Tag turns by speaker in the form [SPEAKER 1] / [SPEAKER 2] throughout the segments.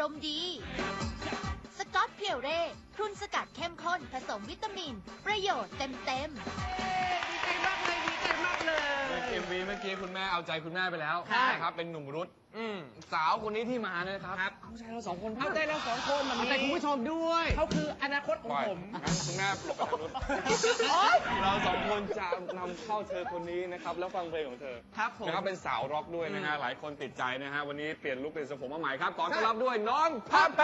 [SPEAKER 1] ารมณ์ดีสกอตเพียวเร่พรุนสกัดเข้มข้นผสมวิตามินประโยชน์เต็ม
[SPEAKER 2] ดีใจมากเลยดีใจมากเลย
[SPEAKER 3] MV เมื่อกี้คุณแม่เอาใจคุณแม่ไปแล้วนะครับเป็นหนุ่มรุดสาวคนนี้ที่มาเนี่ยครับเอาใจเราสองคน
[SPEAKER 2] เอาใจเราสองคนมัน
[SPEAKER 3] เอาใจคุณผู้ชมด้วย
[SPEAKER 2] เขาคืออนาคตของผม
[SPEAKER 3] คุณแม่ปลุกไปทางนู้นเราสองคนจะนำเข้าเธอคนนี้นะครับแล้วฟังเพลงของเธอ
[SPEAKER 2] ครับผม
[SPEAKER 3] นะครับเป็นสาวร็อกด้วยนะฮะหลายคนติดใจนะฮะวันนี้เปลี่ยนลุคเป็นทรงผมมาใหม่ครับขอต้อนรับด้วยน้องพับแพ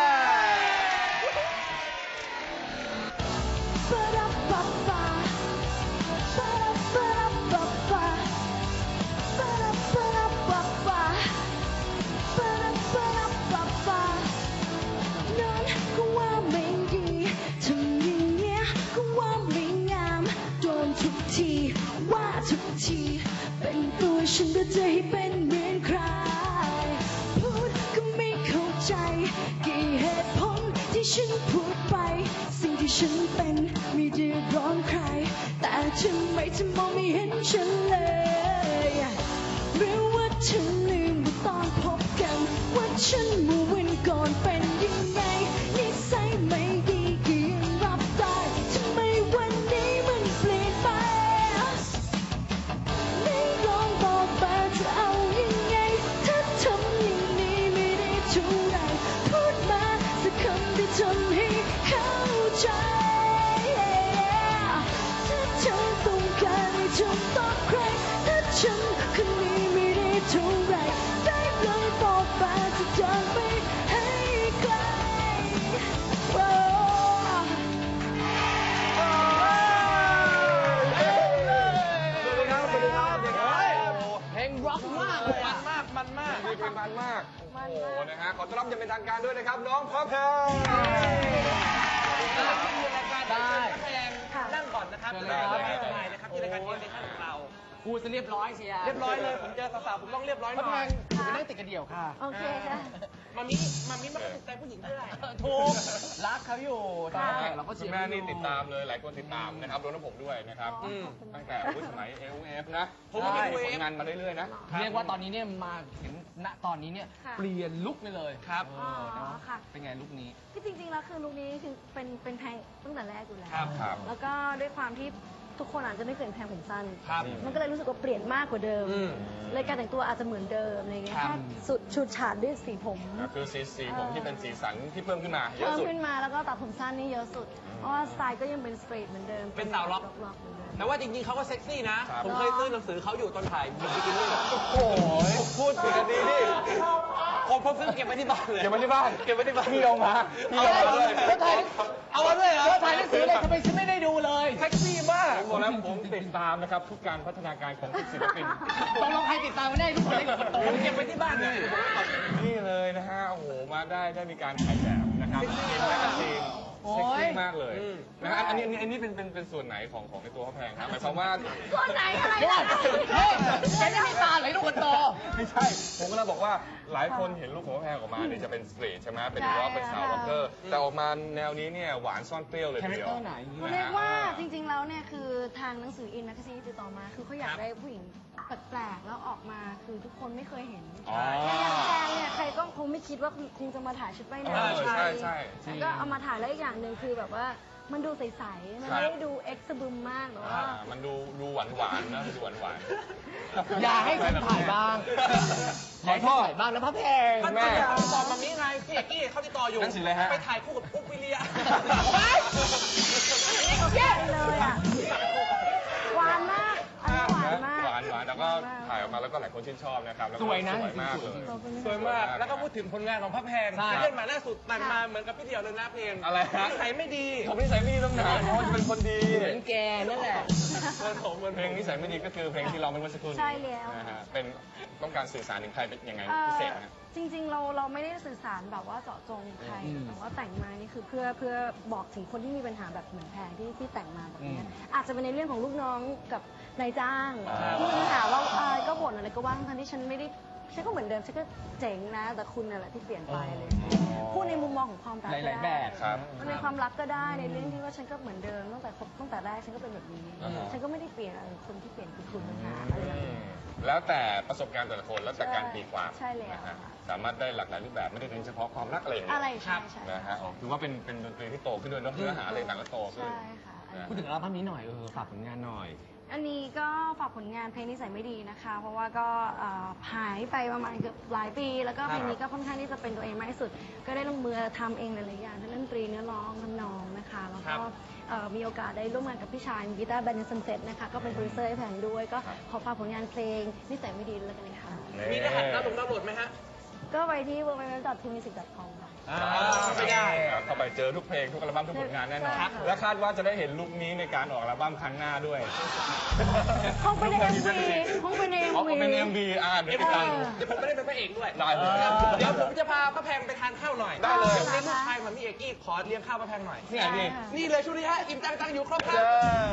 [SPEAKER 4] ทุกทีเป็นตัวฉันก็จะให้เป็นเหมือนใครพูดก็ไม่เข้าใจกี่เหตุผลที่ฉันพูดไปสิ่งที่ฉันเป็นไม่เดือดร้อนใครแต่ทำไมเธอมองไม่เห็นฉันเลยหรือว่าเธอลืมว่าตอนพบกันว่าฉันเมื่อวันก่อนเป็นยังไงนิสัยไม่ดีก็ยังรับได้ทำไมวันนี้มันเปลี่ยนไปทำให้เข้าใจถ้าเธอต้องการให้จบต่อใครถ้าฉันคนนี้ไม่ได้เท่าไรได้เลยบอกมาจะเดินไปให้ไกลสวัสดีครับ
[SPEAKER 3] เพลงร็อกมากเลยมันมากเพลงมันมากโอ้โหนะฮะขอต้อนรับอย่างเป็นทางการด้วยนะครับน้องพับแพง
[SPEAKER 2] ได้นั่งก่อนนะครับได้นะครับที่รายการเอ็นเดชั่นของเรา
[SPEAKER 5] พูดจะเรียบร้อยเชียร์
[SPEAKER 2] เรียบร้อยเลยผมเจอสาวๆผมต้องเรียบร้อยหน่อย
[SPEAKER 5] ไปนั่งติดกันเดี่ยวค่ะ
[SPEAKER 4] โอเคค่ะ
[SPEAKER 2] มามิไม่ถูกใจผู้หญิงเท่าไหร่
[SPEAKER 5] ถูกรักเขาอยู่ตอนแข่งเราก็เชียร์
[SPEAKER 3] แม่นี่ติดตามเลยหลายคนติดตามนะครับรวมทั้งผมด้วยนะครับตั้งแต่สมัย AOF นะผมก็มีผลงานมาเรื่อยๆนะ
[SPEAKER 5] เรียกว่าตอนนี้เนี่ยมาถึงณตอนนี้เนี่ยเปลี่ยนลุคไปเลย
[SPEAKER 2] ครับ
[SPEAKER 4] ค่ะ
[SPEAKER 5] เป็นไงลุคนี้
[SPEAKER 4] ที่จริงๆแล้วคือลุคนี้คือเป็นแพงตั้งแต่แรกอยู่แล้ว
[SPEAKER 3] ครับ
[SPEAKER 4] แล้วก็ด้วยความที่ทุกคนอาจจะไม่เคยแพงผมสั้น
[SPEAKER 3] ครับ
[SPEAKER 4] มันก็เลยรู้สึกว่าเปลี่ยนมากกว่าเดิมเลยการแต่งตัวอาจจะเหมือนเดิมอะไรเงี้ยแค่สุดฉูดฉาดด้วยสีผม
[SPEAKER 3] คือสีผมที่เป็นสีสันที่เพิ่มขึ้นมาเยอะสุด
[SPEAKER 4] เพิ่มขึ้นมาแล้วก็ตัดผมสั้นนี่เยอะสุดเพราะว่าสไตล์ก็ยังเป็นสตรีทเหมือนเดิม
[SPEAKER 2] เป็นสาวล็อกแต่ว่าจริงๆเขาก็เซ็กซี่นะผมเคยซื้อหนังสือเขาอยู่ตอนถ่ายบิกินี่
[SPEAKER 3] โอ้โหพูดถึงกันดีดิ
[SPEAKER 2] ผมซื้อเก็บไว้ที่บ้านเลย
[SPEAKER 3] เก็บไว้ที่บ้านพี่เอามา
[SPEAKER 5] ด้วยเอามาด้วยเหรอถ่ายหนังสือเลยทำไมฉันไม่ได้ดูเลย
[SPEAKER 2] เซ็กซี่มาก
[SPEAKER 3] ผมบอกแล้วผมติดตามนะครับทุกการพัฒนาการของศิลปิน
[SPEAKER 5] ต้องลองใครติดตามไม่ได้ทุกคนเล็กคนโต
[SPEAKER 2] เก็บไว้ที่บ้านเลย
[SPEAKER 3] นี่เลยนะฮะโอ้โหมาได้มีการถ่ายแบบนะครับเป็นแมกกาซีนเซ็กซี่มากเลยนะฮะอันนี้เป็นส่วนไหนของในตัวพระแพงครับหมายความว่า
[SPEAKER 4] ส่วนไหนอะไร
[SPEAKER 5] เนี่ยแกนี่มีตาไหลลูกคนโต
[SPEAKER 3] ไม่ใช่ผมก็เลยบอกว่าหลายคนเห็นลูกของพระแพงออกมาเนี่ยจะเป็นสตรีทใช่ไหมเป็นร็อกเป็นสาวร็อกเกอร์แต่ออกมาแนวนี้เนี่ยหวานซ่อนเปรี้ยวเลยทีเดียว
[SPEAKER 4] เรียกว่าจริงๆแล้วเนี่ยคือทางหนังสืออินแมกกาซีนติดต่อมาคือเขาอยากได้ผู้หญิงแปลกๆแล้วออกมาคือทุกคนไม่เคยเห็นอย่างแพงเนี่ยใครก็คงไม่คิดว่าคงจะมาถ่ายชุดว่ายน้ำ
[SPEAKER 3] ใช่
[SPEAKER 4] ก็เอามาถ่ายแล้วอีกอย่างหนึ่งคือแบบว่ามันดูใสๆมันไม่ได้ดูเอ็กซ์บึมมากหรอกว่า
[SPEAKER 3] มันดูหวานนะดูหวาน
[SPEAKER 5] อย่าให้ฉันถ่ายบ้างขอโทษบ้างนะพระแพง
[SPEAKER 2] แม่ตอบมามีไงพี่เอกกี้เขาติดต่ออยู่ไปถ่ายคู่กับอุ๊บวิเลีย
[SPEAKER 4] แย่เลยอ่ะหวานมาก
[SPEAKER 3] หวานแล้วก็ถ่ายออกมาแล้วก็หลายคนชื่นชอบนะครับ
[SPEAKER 5] สวยนะ
[SPEAKER 3] สวยมากเลย
[SPEAKER 2] สวยมากแล้วก็พูดถึงผลงานของพระแพงเล่นมาล่าสุดแต่งมาเหมือนกับพี่เดี่ยวเลยนะเพลง
[SPEAKER 3] อะไรฮะ
[SPEAKER 2] นิสัยไม่ดี
[SPEAKER 3] ผมนิสัยไม่ดีต้องหนาเพราะว่าเป็นคนดี
[SPEAKER 5] เหมือนแกนั่นแหละ
[SPEAKER 3] เพลงนิสัยไม่ดีก็คือเพลงที่เราเป็นวันสกุล
[SPEAKER 4] ใช่แล้ว
[SPEAKER 3] นะฮะเป็นต้องการสื่อสารถึงใครเป็นยังไงพิเศษนะ
[SPEAKER 4] จริงๆเราไม่ได้สื่อสารแบบว่าเจาะจงใครแต่ว่าแต่งมานี่คือเพื่อบอกถึงคนที่มีปัญหาแบบเหมือนแพงที่แต่งมาแบบนี้อาจจะเป็นในเรื่องของลูกน้องกับนายจ้างที่มีปัญหาว่าก็บ่นอะไรก็ว่าทั้งที่ฉันไม่ได้ฉันก็เหมือนเดิมฉันก็เจ๋งนะแต่คุณน่ะแหละที่เปลี่ยนไปเลยพูดในมุมมองของความรัก
[SPEAKER 5] หลายๆแบบครับ
[SPEAKER 4] ในความรักก็ได้ในเรื่องที่ว่าฉันก็เหมือนเดิมตั้งแต่แรกฉันก็เป็นแบบนี้ ฉันก็ไม่ได้เปลี่ยนอะไรคนที่เปลี่ยนคือคุณต่างหากอะไรอย่างเงี้ย
[SPEAKER 3] แล้วแต่ประสบการณ์แต่ละคนแล้วแต่การตีความ
[SPEAKER 4] ใช่แล้ว
[SPEAKER 3] นะฮะ
[SPEAKER 4] ค่ะ
[SPEAKER 3] สามารถได้หลากหลายรูปแบบไม่ได้เน้นเฉพาะความรักอะไรอย่างเงี้ย
[SPEAKER 4] อะไรใช่ใช่
[SPEAKER 3] นะฮะถือว่าเป็นดนตรีที่โตขึ้นด้วยเนอะเนื้อหาอะไรต่างก็โตขึ้น
[SPEAKER 4] ใช่ค่ะ
[SPEAKER 3] นะ
[SPEAKER 5] พูดถึงอัลบั้มนี้หน่อยฝากผลงานหน่อย
[SPEAKER 4] อันนี้ก็ฝากผลงานเพลงนิสัยไม่ดีนะคะ เพราะว่าก็หายไปประมาณเกือบหลายปี แล้วก็เพลงนี้ก็ค่อนข้างที่จะเป็นตัวเองมากที่สุด ก็ได้ลงมือทำเองหลายๆอย่างทั้งเล่นดนตรีเนื้อร้องทำนองนะคะ แล้วก็มีโอกาสได้ร่วมงานกับพี่ชายกีตาร์แบนด์ซันเซ็ตนะคะ ก็เป็นโปรดิวเซอร์ให้แผงด้วย ก็ขอฝากผลงานเพลงนิสัยไม่ดีแล้วกันค่ะ
[SPEAKER 2] มีรหัสดาวน์โหลดไหมฮะ
[SPEAKER 4] ก็ไปที่ www.tumusic.com ค่ะ
[SPEAKER 2] ไม่ได้
[SPEAKER 3] เข้าไปเจอทุกเพลงทุกอัลบั้มทุกผลงานแน่นอน
[SPEAKER 4] ครับ
[SPEAKER 3] และคาดว่าจะได้เห็นลุคนี้ในการออกอัลบั้มครั้งหน้าด้วย
[SPEAKER 4] คงเป็นใน MV คงเป็นใน
[SPEAKER 3] อ๋อ
[SPEAKER 4] MV
[SPEAKER 3] เป็น MV เดี๋ยวติดตามดู
[SPEAKER 2] เดี๋ยวผมไม่ได้เป็นพระเอกด้วย
[SPEAKER 3] ได้เลย
[SPEAKER 2] เดี๋ยวผมจะพาป้าแพงไปทานข้าวหน่อย
[SPEAKER 3] ได้เลย
[SPEAKER 2] เรียกลูกชายเหมือนพี่เอกกี้ขอเลี้ยงข้าวป้าแพงหน่อย
[SPEAKER 3] นี่ไงนี่
[SPEAKER 2] นี่เลยช่วงนี้ฮะ อิ่มจังอยู่ครบครับ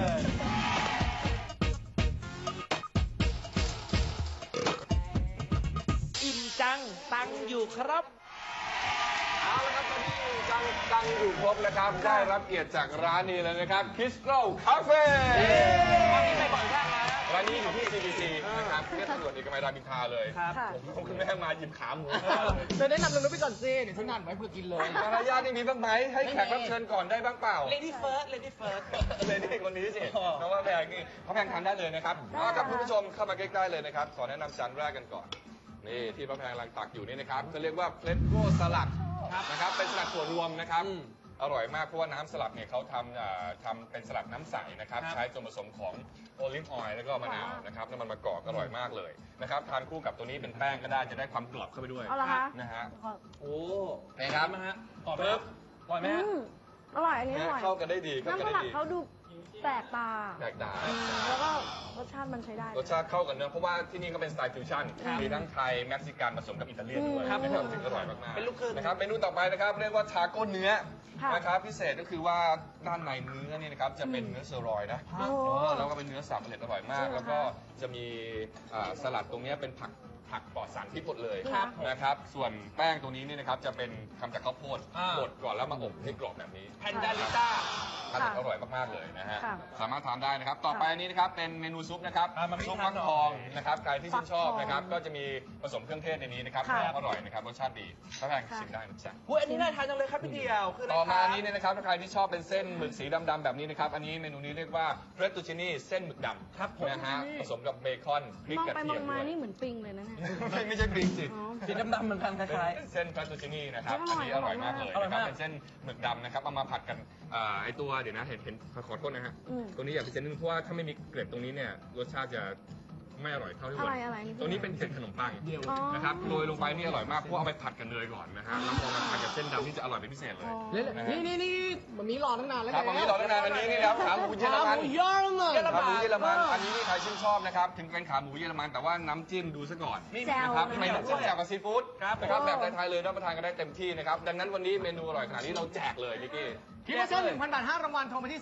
[SPEAKER 2] อิ่มจังตังอยู่ครับ
[SPEAKER 3] เอาละครับตอนนี้จังอยู่ครบนะครับ ได้รับเกียรติจากร้านนี้เลยนะครับ Crystal Cafe
[SPEAKER 2] วันนี้ไปบ่อยมากนะ
[SPEAKER 3] ร้านนี้อยู่ที่ CBC นะครับเรียกตำรวจเอกมัยรามอินทราเลย
[SPEAKER 2] ครับ
[SPEAKER 3] ผมคุณแม่มาหยิบขาหมู
[SPEAKER 5] เธอแนะนำเราไปก่อนสิเดี๋ยวฉันนัดไว้เพื่อกินเลย
[SPEAKER 3] มารยาทนี่มีบ้างไหมให้แขกรับเชิญก่อนได้บ้างเปล่า
[SPEAKER 2] Lady First Lady First
[SPEAKER 3] เลยนี่คนนี้สิน้องว่าแพงนี่เขาแพงทานได้เลยนะครับเอาครับคุณผู้ชมเข้ามาใกล้ๆเลยนะครับขอแนะนำจานแรกกันก่อนนี่ที่พระแพงกำลังตักอยู่นี่นะครับเขาเรียกว่าเพลสโกสลัดนะครับเป็นสลัดถั่วรวมนะครับอร่อยมากเพราะว่าน้ำสลัดเนี่ยเขาทำเป็นสลัดน้ำใสนะครับใช้ส่วนผสมของโอลิฟออยล์แล้วก็มะนาวนะครับน้ำมันมะกอกอร่อยมากเลยนะครับทานคู่กับตัวนี้เป็นแป้งก็ได้จะได้ความกรอบเข้าไปด้วย
[SPEAKER 4] เอาละคะ
[SPEAKER 3] นะฮะ
[SPEAKER 2] โอ้
[SPEAKER 3] นี่ครับ
[SPEAKER 2] นะฮะตอบไหมฮะอร่อยไหมฮะ
[SPEAKER 4] อร่อยอันนี้อร่อย
[SPEAKER 3] เข้ากันได้ดีเข้ากัน
[SPEAKER 4] น้ำส
[SPEAKER 3] ได้
[SPEAKER 4] ลัด
[SPEAKER 3] ดี
[SPEAKER 4] เขาดูแปลกตา
[SPEAKER 3] แตกต่าง
[SPEAKER 4] แล้วก็รสชาติมันใช้ได้
[SPEAKER 3] รสชาติเข้ากันเนอะเพราะว่าที่นี่ก็เป็นสไตล์ฟิวชั่นมีทั้งไทยเม็กซิกันผสมกับอิตาเลียนด้วย
[SPEAKER 2] ครับ
[SPEAKER 3] นะครับซึ่งอร่อยมากๆ
[SPEAKER 2] เป็นลูกครึ่ง
[SPEAKER 3] นะครับเมนูต่อไปนะครับเรียกว่าทาโก้เนื้อ
[SPEAKER 4] ค่ะ
[SPEAKER 3] นะครับพิเศษก็คือว่าด้านในเนื้อเนี่ยนะครับจะเป็นเนื้อเซอร์รอยนะ
[SPEAKER 4] โอ้
[SPEAKER 3] แล้วก็เป็นเนื้อสับละเอียดอร่อยมาก
[SPEAKER 4] จริงเหรอ
[SPEAKER 3] แล้วก็จะมีสลัดตรงเนี้ยเป็นผักปลอดสารพิษหมดเลย
[SPEAKER 4] ครับ
[SPEAKER 3] นะครับส่วนแป้งตรงนี้เนี่ยนะครับจะเป็นทำจากข้าวโพด
[SPEAKER 2] อ่า
[SPEAKER 3] บดก่อนแล้วมาอบให้กรอบแบบนี้
[SPEAKER 2] แพนดาลิต้า
[SPEAKER 3] ทานอร่อยมากๆเลยนะฮะ
[SPEAKER 4] ค่ะ
[SPEAKER 3] สามารถทานได้นะครับ ต่อไปอันนี้นะครับเป็นเมนูซุปนะครับ
[SPEAKER 2] มา
[SPEAKER 3] ซุป
[SPEAKER 2] ทา
[SPEAKER 3] ฟั
[SPEAKER 2] น
[SPEAKER 3] ก
[SPEAKER 2] หน่อย
[SPEAKER 3] ทองนะครับใครที่ชื่นชอบนะครับ
[SPEAKER 4] ฟักทอง
[SPEAKER 3] ก็จะมีผสมเครื่องเทศในนี้นะครับ
[SPEAKER 4] ค่ะ
[SPEAKER 3] อร่อยนะครับรสชาติดีถ้าแพงชิมได้นะจ๊ะ
[SPEAKER 2] อุ้ยอันนี้น่าทานจังเลยครับพี่เดียวคืออะไร
[SPEAKER 3] ต่อมา
[SPEAKER 2] ค
[SPEAKER 3] อั
[SPEAKER 2] รับ
[SPEAKER 3] นนี้เนี่ยนะครับถ้าใครที่ชอบเป็นเส้นหมึกสีดำๆแบบนี้นะครับ อันนี้เมนูนี้เรียกว่าเฟรตตูชินี่เส้นหมึกดำ
[SPEAKER 2] ครับผม
[SPEAKER 3] นะฮะผสมกับเบคอนพริก
[SPEAKER 4] มอง
[SPEAKER 3] กระ
[SPEAKER 4] ไป
[SPEAKER 3] เที
[SPEAKER 4] ม
[SPEAKER 3] ย
[SPEAKER 4] อ
[SPEAKER 3] ม
[SPEAKER 4] ง
[SPEAKER 3] ด้
[SPEAKER 4] มา
[SPEAKER 3] วย
[SPEAKER 4] นี่เหมือนปิงเลยนะเนี่ย
[SPEAKER 3] ไม่ใช่พริกสิ
[SPEAKER 4] อ๋อ
[SPEAKER 2] สีดำๆเหมือนกันคล้าย
[SPEAKER 3] เป็นเส้นเฟรตตูชินี่นะครับ
[SPEAKER 4] อ
[SPEAKER 3] อัน
[SPEAKER 4] ร่อย
[SPEAKER 3] นี้อร่อยมากเลย
[SPEAKER 2] อร่อย
[SPEAKER 3] นะค
[SPEAKER 2] มา
[SPEAKER 3] รับ
[SPEAKER 2] ก
[SPEAKER 3] เป็นเส้นหมึกดำนะครับเอามาผัดกันไอตัวเดี๋ยวนะเห็นขอโทษนะฮะ
[SPEAKER 4] อืม
[SPEAKER 3] ตัวนี้อยากพิเศษนิดนึงเพราะว่าถ้าไม่มีเกล็ดตรงนี้เนี่ยรสชาติจะไม่อร่อยเท่าที่ควร
[SPEAKER 4] อะไรนี่
[SPEAKER 3] ตัวนี้เป็นเกล็ดขนมปัง
[SPEAKER 4] อ๋อ
[SPEAKER 3] นะครับโรยลงไปนี่อร่อยมากเพราะเอาไปผัดกับเนยก่อนนะฮะแล้วพอมาผัดกับเส้นดำนี่จะอร่อยเป็นพิเศษเลย
[SPEAKER 5] นี่มันมีรอตั้งนานแล้ว
[SPEAKER 3] ครับวันนี้เราได้นานอันนี้นี่นะครับขาหมูเยอรมัน
[SPEAKER 5] เยอรมัน
[SPEAKER 3] ขาหมูเยอรมันอันนี้นี่ใครชื่นชอบนะครับถึงเป็นขาหมูเยอรมันแต่ว่าน้ำจิ้มดูซะก่อน
[SPEAKER 2] ๆนี่
[SPEAKER 4] แจ่ว
[SPEAKER 3] นะครับไม่ต้องจิ้มแจ่วกับซีฟู้ด
[SPEAKER 2] ครับ
[SPEAKER 3] นะครับแบบไทยๆเลยรับประทานกันได้เต็มที่นะครับดังนั้นวันนี้เมนูอร่อยขนาดนี้เราแจกเลยนิกกี้
[SPEAKER 5] คิดว่าเชิญ 1,000 บาท 5 รางวัล โทรมาที่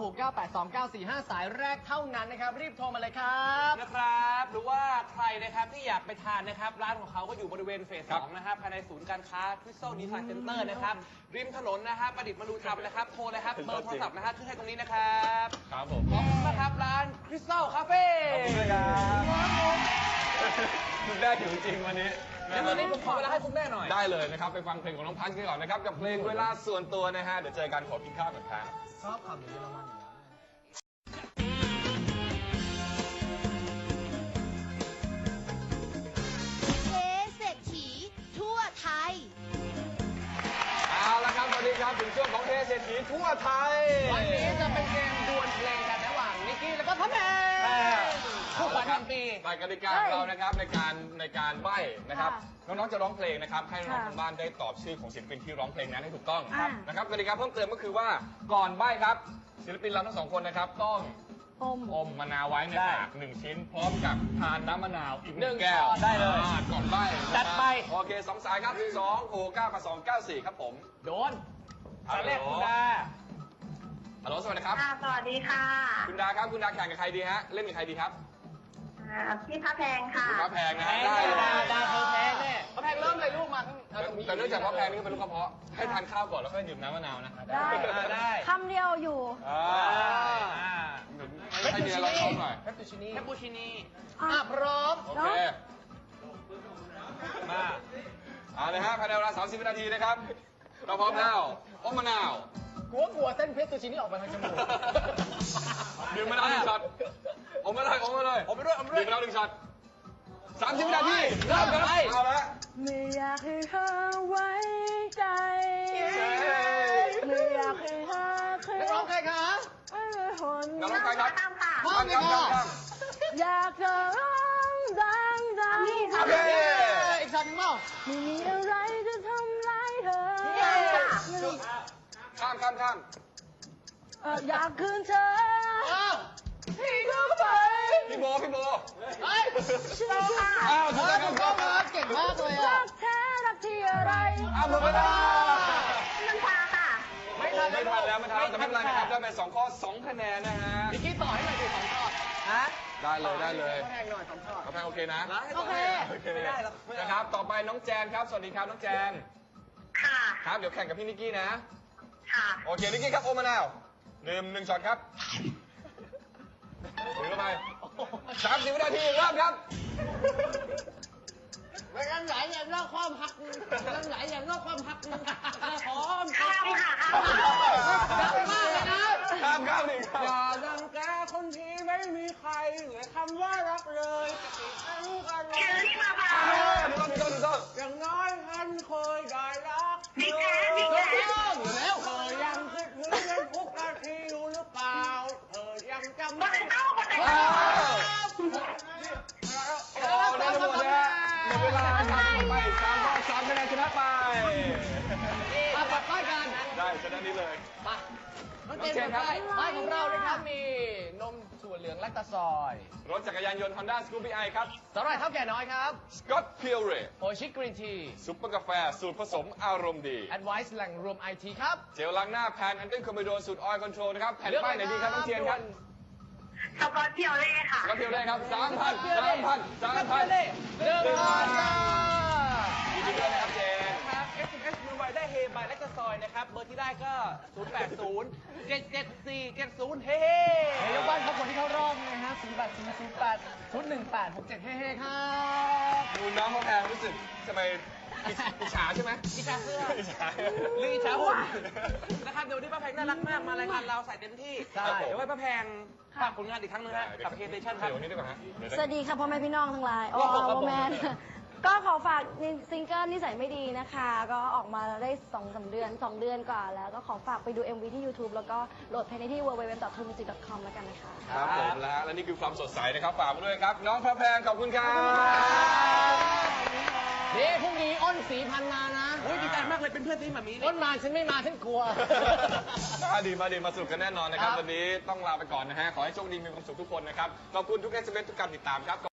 [SPEAKER 5] 026982945 สายแรกเท่านั้นนะครับ รีบโทรมาเลยครับ
[SPEAKER 2] นะครับหรือว่าใครนะครับที่อยากไปทานนะครับร้านของเขาก็อยู่บริเวณเฟส 2นะครับภายในศูนย์การค้า Crystal Design Center นะครับริมถนนนะครับประดิษฐ์มนูธรรมนะครับโทรเลยครับเบอร์โทรศัพท์นะครับขึ้นให้ตรงนี้นะครับ
[SPEAKER 3] ครับผม
[SPEAKER 2] ขอบคุณนะครับร้าน Crystal Cafe
[SPEAKER 3] ขอบคุณด้วยครับคุณแม่หิวจริงวันนี้
[SPEAKER 2] เดี๋ยวตอนนี้ผมขอเวลาให้คุณแม่หน่อย
[SPEAKER 3] ได้เลยนะครับไปฟังเพลงของน้องพันธ์กันก่อนนะครับกับเพลงเวลาส่วนตัวนะฮะเดี๋ยวเจอกันขอกินข้าวก่อนครับ
[SPEAKER 5] ชอบขาหมูเยอรมันอยู่แล้ว
[SPEAKER 1] เทเศรษฐีทั่วไทย
[SPEAKER 3] เอาละครับสวัสดีครับถึงช่วงของเทเศรษฐีทั่วไทย
[SPEAKER 5] วันนี้จะเป็นเกมดวลเพลงกันระหว่างนิกกี้แล้วก็พ่อแม่คู่ขวัญแห่งปี
[SPEAKER 3] ไปกติกาของเรานะครับในการใบ้นะครับ
[SPEAKER 4] ค่ะ
[SPEAKER 3] น้องๆจะร้องเพลงนะครับให้น้องๆ
[SPEAKER 4] ค่ะ
[SPEAKER 3] ทางบ้านได้ตอบชื่อของศิลปินที่ร้องเพลงนั้นให้ถูกต้อง
[SPEAKER 4] อ่า
[SPEAKER 3] นะครับกติกาเพิ่มเติมก็คือว่าก่อนใบ้ครับศิลปินเราทั้งสองคนนะครับต้อง
[SPEAKER 4] อม
[SPEAKER 3] อมมะนาวไว้ในปาก1 ชิ้น พร้อมกับทานน้ำมะนาวอีก
[SPEAKER 2] 1
[SPEAKER 3] 1 แก้ว
[SPEAKER 2] ช้อนได้เลย
[SPEAKER 3] ก่อนใบ้
[SPEAKER 2] จัดไป
[SPEAKER 3] โอเค2 สายครับ2 6 9 8 2 9 4ครับผม
[SPEAKER 2] โดนสายแรกคุณดา
[SPEAKER 3] ฮัลโหลสวัสดีครับ
[SPEAKER 6] ค่ะ สวัสดีค่ะ
[SPEAKER 3] คุณดาครับคุณดาแข่งกับใครดีฮะเล่นกับใครดีครับ
[SPEAKER 6] พี่พระแพงค่ะ
[SPEAKER 3] พระแพงนะฮะได้เลย
[SPEAKER 5] ดาเธอแพ้แน่พระแพงเริ่มเลยลูกมาข้าง
[SPEAKER 3] แต่เนื่องจากพระแพงนี่เป็นลูกกระเพาะให้ทานข้าวก่อนแล้วค่อยดื่มน้ำมะนาวนะ
[SPEAKER 6] ได้
[SPEAKER 2] ได้
[SPEAKER 6] คำเดียวอยู่
[SPEAKER 3] ให้เมียเราท้องหน่อย
[SPEAKER 5] แคปปูชินี่
[SPEAKER 2] แคปปูชินี
[SPEAKER 5] พร้อม
[SPEAKER 3] โอเค
[SPEAKER 2] มา
[SPEAKER 3] เอาเลยฮะภายในเวลา 30 วินาทีนะครับ เราพร้อมแล้วอมมะนาว
[SPEAKER 5] กลัวเส้นเพชรตูชินี่ออกมาทางจมูก
[SPEAKER 3] ดื่มมะนาวหนึ่งช็อตอมมาเลยอมมาเลย
[SPEAKER 2] ผมไปด้วยผมไปด้วย
[SPEAKER 3] ดื่มมะนาวหนึ่งช็อต30 วินาทีเริ่มกันเอาละ
[SPEAKER 4] ไม่อยากให้เธอไว้ใจ ไม่อยากให้เธอเค
[SPEAKER 5] นักร้องใครคะ
[SPEAKER 4] ไม่เคยหน
[SPEAKER 3] น้องใครครับ
[SPEAKER 5] พร้อมเลยค่ะ
[SPEAKER 4] อยากจะร้องดังดัง
[SPEAKER 3] โอเค
[SPEAKER 5] อีกช็อตหนึงเปล่า
[SPEAKER 4] ไม่มีอะไรจะทำร้ายเธอ
[SPEAKER 3] ข้าม
[SPEAKER 4] อยากคืนเธอ
[SPEAKER 5] อ้าว
[SPEAKER 4] ให้เข้าไป
[SPEAKER 3] พี่โบ
[SPEAKER 5] เฮ้ย
[SPEAKER 4] ฉันจะ
[SPEAKER 3] อ้าวถูก
[SPEAKER 5] เฮ้
[SPEAKER 3] ต้
[SPEAKER 5] ย
[SPEAKER 3] อง
[SPEAKER 5] ถู
[SPEAKER 3] ค
[SPEAKER 5] ก
[SPEAKER 3] รั
[SPEAKER 5] ต้อบ งครับเก่งมากเลยอ่ะ
[SPEAKER 4] รักแท้รักที่อะไร
[SPEAKER 3] อ้าวหมดเวลา
[SPEAKER 6] น้ำชาค่ะ
[SPEAKER 5] ไม่ทัน
[SPEAKER 3] ไม่ทันแล้วแต่ไม่เป็นไรนะครับ ได้ไป2ข้อ 2 คะแนนนะฮะ
[SPEAKER 5] นิกกี้ต่อให้หน่อยดิสองช็อต
[SPEAKER 2] ฮะ
[SPEAKER 3] ได้เลย
[SPEAKER 5] พระแพงหน่อยสองช็อต
[SPEAKER 3] กาแฟโอเคนะ
[SPEAKER 5] โอเค
[SPEAKER 2] ไม่ได้หรอกไม่ได้
[SPEAKER 3] นะครับ ต่อไปน้องแจนครับ สวัสดีครับน้องแจน
[SPEAKER 6] ค่ะ
[SPEAKER 3] ครับ เดี๋ยวแข่งกับพี่นิกกี้นะ
[SPEAKER 6] ค่ะ
[SPEAKER 3] โอเค นิกกี้ครับ โอมมะนาวดื่ม1ช็อตครับถือเข้าไป30 วินาทีเริ่มครับ
[SPEAKER 5] ไม่กันไหลอย่างนอกความหักกันไหลอย่างนอกความหักหอม
[SPEAKER 6] ข้ามค่ะ
[SPEAKER 5] ดังมากเลยนะ
[SPEAKER 3] ข้ามหนึ่งครับ
[SPEAKER 2] อย่าดังแกคนที่ไม่มีใครเหลือคำว่ารักเลยจะติดตั้งกัน
[SPEAKER 6] เชอรี่มาค่ะ
[SPEAKER 3] ถูกต้อง
[SPEAKER 2] อย่างน้อยท่านเคยได้รัก
[SPEAKER 6] พี่แจ๊คพี่แจ๊ค
[SPEAKER 5] อยู่แล้ว
[SPEAKER 2] เธอยังคิดถึงกันทุกนาทีอยู่หรือเปล่าเธอยังจำ
[SPEAKER 6] มา
[SPEAKER 2] ได้
[SPEAKER 6] ถึงเข้ามาเลย
[SPEAKER 3] อ้าวโอ้ได้หมดแล้วหมดเวลาครับไป3ข้อ3คะแนนชนะไป
[SPEAKER 5] อ่ะปัดป้ายกัน
[SPEAKER 3] ได้ชนะนี้เลย
[SPEAKER 5] มาน้องเจนครับป้ายของเรานะครับมีนมถั่วเหลืองแลคตาซอย
[SPEAKER 3] รถจักรยานยนต์ Honda Scoopy i ครับ
[SPEAKER 5] สาหร่ายเท่าแก่น้อยครับ
[SPEAKER 3] Scott Pure
[SPEAKER 5] โอชิกรีนที
[SPEAKER 3] ซุปเปอร์กาแฟสูตรผสมอารมณ์ดี
[SPEAKER 5] แอดไวซ์แหล่งรวมไอทีครับ
[SPEAKER 3] เจลล้างหน้าแพนอันเดอร์คอมบิโดนสูตรออยล์คอนโทรลนะครับ แผ่นป้ายไหนดีครับน้องเทียนครับ
[SPEAKER 6] สกอตเพียวเล่ค่ะ
[SPEAKER 3] Scott Pure ครับ 3,000
[SPEAKER 5] เดินมาจ้า
[SPEAKER 3] ยินดีด้วยนะครับเจน
[SPEAKER 2] ครับ SMS มือไวได้เฮบายและกระซอยนะครับ เบอร์ที่ได้ก็ 080 774 70 เฮ้
[SPEAKER 5] เฮ้ยกบ้านครับคนที่เข้ารอบนะฮะ08 008 018 67 เฮ้ๆครับ
[SPEAKER 3] ดูน้องเขาแพงรู้สึกทำไมอิจฉาใช่ไหม
[SPEAKER 2] อิจฉาเสื้อ
[SPEAKER 3] อิจฉา
[SPEAKER 2] หรืออิจฉาหุ่นนะครับเดี๋ยววันนี้ป้าแพงน่ารักมาก มารายการเราใส่เต็มที่
[SPEAKER 5] ใช่
[SPEAKER 2] เดี๋ยวให้ป้าแพงฝากผลงานอีกครั้งหนึงฮะกับ K-Station ครับ
[SPEAKER 3] เดี๋ยวนี้ดีกว่าฮะเดี๋ยว
[SPEAKER 4] สวัสดีค่ะพ่อแม่พี่น้องทั้งหลาย
[SPEAKER 2] โอ้โหครับผม
[SPEAKER 4] แมนก็ขอฝากซิงเกิลนิสัยไม่ดีนะคะ ก็ออกมาได้2-3 เดือน 2 เดือนกว่าแล้ว ก็ขอฝากไปดู MV ที่ YouTube แล้วก็โหลดเพลงได้ที่ www.tumusic.com แล้วกันนะคะ
[SPEAKER 3] ครับผมแล้วฮะและนี่คือความสดใสนะครับ ฝากมาด้วยครับ น้องพระแพงขอบคุณครับ
[SPEAKER 5] นี่พรุ่งนี้อ้นสีพันมานะ
[SPEAKER 2] อุ้ยดีใจมากเลยเป็นเพื่อนที่หมามี
[SPEAKER 5] อ้นมาฉันไม่มาฉันกลัว
[SPEAKER 3] มาสนุกกันแน่นอนนะครับ
[SPEAKER 5] ครับ
[SPEAKER 3] วันนี้ต้องลาไปก่อนนะฮะ ขอให้โชคดีมีความสุขทุกคนนะครับ ขอบคุณทุก SMS ทุกการติดตามครับ